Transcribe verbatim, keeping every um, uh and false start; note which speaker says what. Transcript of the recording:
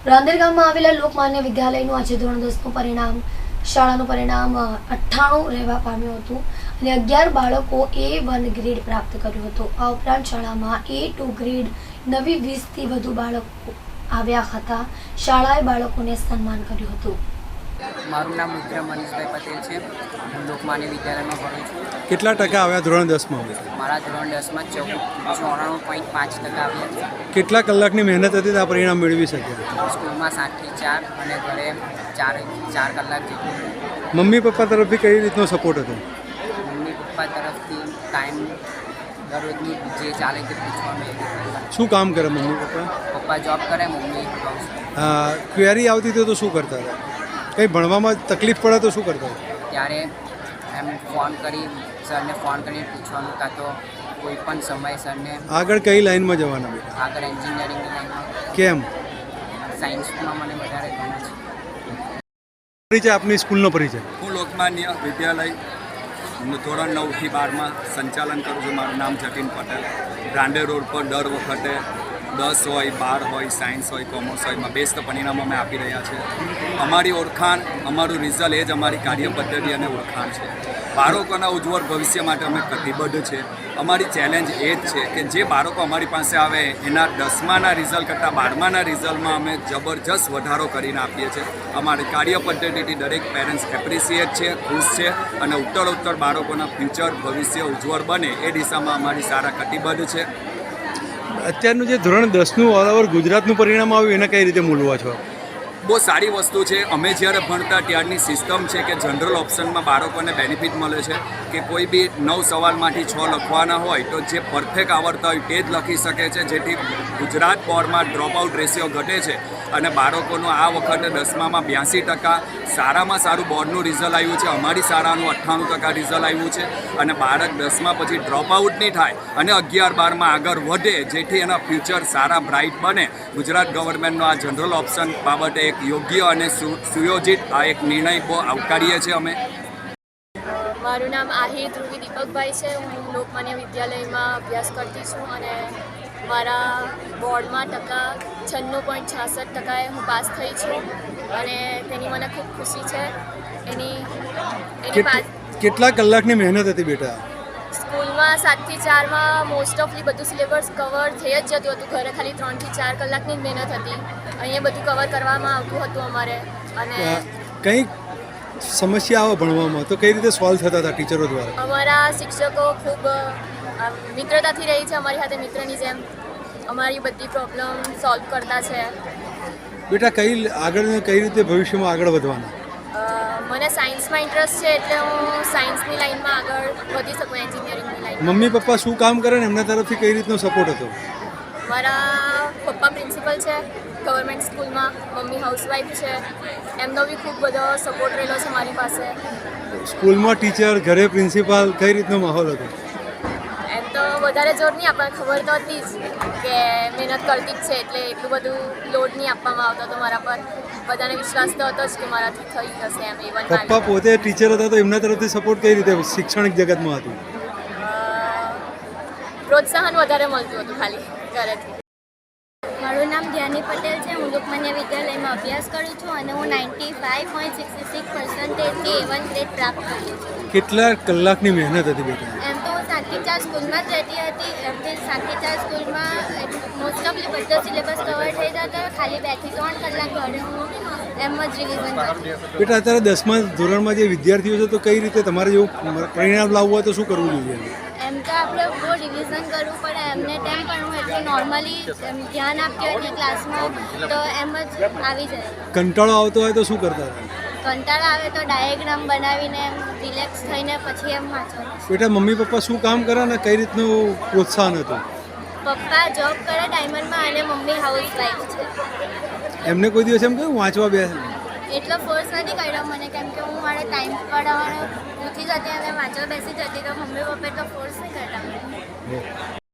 Speaker 1: રાંદેર ગામમાં આવેલા લોકમાન્ય વિદ્યાલયનું આજે ધોરણ દસનું પરિણામ શાળાનું પરિણામ અઠ્ઠાણું રહેવા પામ્યું હતું અને અગિયાર બાળકો એ વન ગ્રેડ પ્રાપ્ત કર્યું હતું। આ ઉપરાંત શાળામાં એ ટુ ગ્રેડ નવી વીસથી વધુ બાળકો આવ્યા હતા। શાળાએ બાળકોને સન્માન કર્યું હતું।
Speaker 2: મારું નામ રુદ્ર મનીષભાઈ પટેલ છે। હું લોકમાન્ય વિદ્યાલયમાં ભણું છું।
Speaker 3: કેટલા ટકા આવ્યા ધોરણ દસમાં?
Speaker 2: મારા ધોરણ દસમાં ચૌદ ચોરાણું પોઈન્ટ પાંચ ટકા આવ્યા છે।
Speaker 3: કેટલા કલાકની મહેનત હતી તો આ પરિણામ મેળવી શક્યા?
Speaker 2: સ્કૂલમાં સાતથી ચાર અને ઘરે ચાર ચાર કલાક જેટલું।
Speaker 3: મમ્મી પપ્પા તરફથી કઈ રીતનો સપોર્ટ હતો?
Speaker 2: મમ્મી પપ્પા તરફથી ટાઈમ દરરોજની જે ચાલે તે પૂછવાનું।
Speaker 3: શું કામ કરે મમ્મી પપ્પા?
Speaker 2: પપ્પા જોબ કરે, મમ્મી હાઉસ।
Speaker 3: ક્વેરી આવતી હતી તો શું કરતા હતા? કંઈ ભણવામાં તકલીફ પડે તો શું કરતા હતા?
Speaker 2: ત્યારે એમ ફોન કરી સરને ફોન કરીને પૂછવાનું, કાં તો કોઈ પણ સમય સરને
Speaker 3: આગળ કઈ લાઈનમાં જવાના બેટા?
Speaker 2: આગળ એન્જિનિયરિંગની લાઈનમાં।
Speaker 3: કેમ?
Speaker 2: સાયન્સમાં મને વધારે ગમે છે।
Speaker 3: પરિચય, આપની સ્કૂલનો પરિચય?
Speaker 4: હું લોકમાન્ય વિદ્યાલય ધોરણ નવથી બારમાં સંચાલન કરું છું। મારું નામ જતીન પટેલ। રાંદેર રોડ પર દર વખતે દસ હોય, બાર હોય, સાયન્સ હોય, કોમર્સ હોય, એમાં બેસ્ટ પરિણામ અમે આપી રહ્યા છીએ। અમારી ઓળખાણ, અમારું રિઝલ્ટ એ જ અમારી કાર્ય પદ્ધતિ અને ઓળખાણ છે। બાળકોના ઉજ્જવળ ભવિષ્ય માટે અમે કટિબદ્ધ છે। અમારી ચેલેન્જ એ જ છે કે જે બાળકો અમારી પાસે આવે એના દસમાના રિઝલ્ટ કરતાં બારમાના રિઝલ્ટમાં અમે જબરજસ્ત વધારો કરીને આપીએ છીએ। અમારી કાર્ય પદ્ધતિથી દરેક પેરેન્ટ્સ એપ્રિસિએટ છે, ખુશ છે અને ઉત્તર ઉત્તર બાળકોના ફ્યુચર ભવિષ્ય ઉજ્જવળ બને એ દિશામાં અમારી સારા કટિબદ્ધ છે।
Speaker 3: અત્યારનું જે ધોરણ દસનું ઓલ ઓવર ગુજરાતનું પરિણામ આવ્યું એને કઈ રીતે મૂલવા છો?
Speaker 4: બહુ સારી વસ્તુ છે। અમે જ્યારે ભણતા ત્યારની સિસ્ટમ છે કે જનરલ ઓપ્શનમાં બાળકોને બેનિફિટ મળે છે કે કોઈ બી નવ સવાલમાંથી છ લખવાના હોય તો જે પરફેક્ટ આવડતા હોય તે જ લખી શકે છે, જેથી ગુજરાત બોર્ડમાં ડ્રોપ આઉટ રેશિયો ઘટે છે અને બાળકોનું આ વખતે દસમામાં બ્યાસી ટકા સારામાં સારું બોર્ડનું રિઝલ્ટ આવ્યું છે। અમારી શાળાનું અઠ્ઠાણું ટકા રિઝલ્ટ આવ્યું છે અને બાળક દસમા પછી ડ્રોપ આઉટ નહીં થાય અને અગિયાર બારમાં આગળ વધે, જેથી એના ફ્યુચર સારા બ્રાઇટ બને। ગુજરાત ગવર્મેન્ટનો આ જનરલ ઓપ્શન બાબતે એક યોગ્ય અને સુયોજિત આ એક નિર્ણય બહુ આવકારીએ છીએ અમે।
Speaker 5: મારું નામ આહિર ધ્રુવી દીપકભાઈ છે। હું લોકમાન્ય વિદ્યાલયમાં અભ્યાસ કરતી છું અને મારા બોર્ડમાં ટકા છન્નું પોઈન્ટ છાસઠ ટકાએ હું પાસ થઈ છું અને તેની મને ખૂબ ખુશી છે। એની એની પાસ
Speaker 3: કેટલા કલાકની મહેનત હતી બેટા?
Speaker 5: સ્કૂલમાં સાતથી ચારમાં મોસ્ટ ઓફલી બધું સિલેબસ કવર થઈ જ જતું હતું। ઘરે ખાલી ત્રણથી ચાર કલાકની જ મહેનત હતી। અહીંયા બધું કવર કરવામાં આવતું હતું અમારે। અને
Speaker 3: કંઈ સમસ્યા આવે ભણવામાં તો કઈ રીતે સોલ્વ થતા હતા ટીચરો દ્વારા?
Speaker 5: અમારા શિક્ષકો ખૂબ મિત્રતાથી રહી છે, અમારી સાથે મિત્રની જેમ અમારી બધી પ્રોબ્લેમ સોલ્વ કરતા છે।
Speaker 3: બેટા કઈ આગળ કઈ રીતે ભવિષ્યમાં આગળ વધવાના?
Speaker 5: મને સાયન્સમાં ઇન્ટરેસ્ટ છે એટલે હું સાયન્સની લાઈનમાં આગળ વધી શકું, એન્જિનિયરિંગની લાઈન।
Speaker 3: મમ્મી પપ્પા શું કામ કરે ને એમના તરફથી કઈ રીતનો સપોર્ટ હતો?
Speaker 5: મારા પપ્પા પ્રિન્સિપલ છે ગવર્મેન્ટ સ્કૂલમાં, મમ્મી હાઉસવાઈફ છે। એમનો બી ખૂબ બધો સપોર્ટ રહેલો છે મારી પાસે।
Speaker 3: સ્કૂલમાં ટીચર, ઘરે પ્રિન્સિપાલ, કઈ રીતનો માહોલ હતો?
Speaker 5: એમ તો વધારે જોર નહીં આપણને ખબર તો હતી જ કે મહેનત કરતી જ છે એટલે એટલું બધું લોડ નહીં આપવામાં આવતો હતો મારા પર। બધાને વિશ્વાસ તો હતો જ કે મારાથી થઈ જશે એમ। ઇવન
Speaker 3: પપ્પા પોતે ટીચર હતા તો એમના તરફથી સપોર્ટ કઈ રીતે શૈક્ષણિક જગતમાં હતું?
Speaker 5: પ્રોત્સાહન વધારે મળતું હતું ખાલી ઘરેથી।
Speaker 6: મારું નામ ધ્યાની પટેલ છે। હું લોકમાન્ય વિદ્યાલયમાં અભ્યાસ કરું છું અને હું ninety five point sixty six પર્સન્ટેજથી એ વન ગ્રેડ પ્રાપ્ત કરી છું।
Speaker 3: કેટલા કલાકની મહેનત હતી બેટા?
Speaker 6: એમ તો હું સાતથી ચાર સ્કૂલમાં જ રહેતી હતી। એમથી સાતથી ચાર સ્કૂલમાં મોસ્ટ ઓફલી બધો સિલેબસ કવર થઈ જતો, ખાલી બેથી ત્રણ કલાક ઘરે હું એમ જ રિવિઝન કરતી।
Speaker 3: બેટા અત્યારે દસમા ધોરણમાં જે વિદ્યાર્થીઓ છે તો કઈ રીતે તમારે જેવું પરિણામ લાવવું હોય તો શું કરવું જોઈએ?
Speaker 6: એમ તો આપણે બહુ રિવિઝન કરવું પડે એમને ટાઈમ, પણ હું એટલું નોર્મલી ધ્યાન આપતી હતી ક્લાસમાં તો એમ જ આવી જાય।
Speaker 3: કંટાળો આવતો હોય તો શું કરતા હતા?
Speaker 6: કંટાળો આવે તો ડાયાગ્રામ બનાવીને એમ રિલેક્સ થઈને પછી એમ વાંચવાનું।
Speaker 3: બેટા મમ્મી પપ્પા શું કામ કરે ને કઈ રીતનું પ્રોત્સાહન હતું?
Speaker 6: પપ્પા જોબ કરે ડાયમંડમાં અને મમ્મી હાઉસવાઈફ છે।
Speaker 3: એમને કોઈ દિવસ એમ કહ્યું વાંચવા બે?
Speaker 6: એટલો ફોર્સ નથી કર્યો મને, કેમ કે હું મારે ટાઈમ પડાવવાનો નથી જતી અને વાંચવા બેસી જતી તો મમ્મી પપ્પાએ તો ફોર્સ નહીં કરતા મને।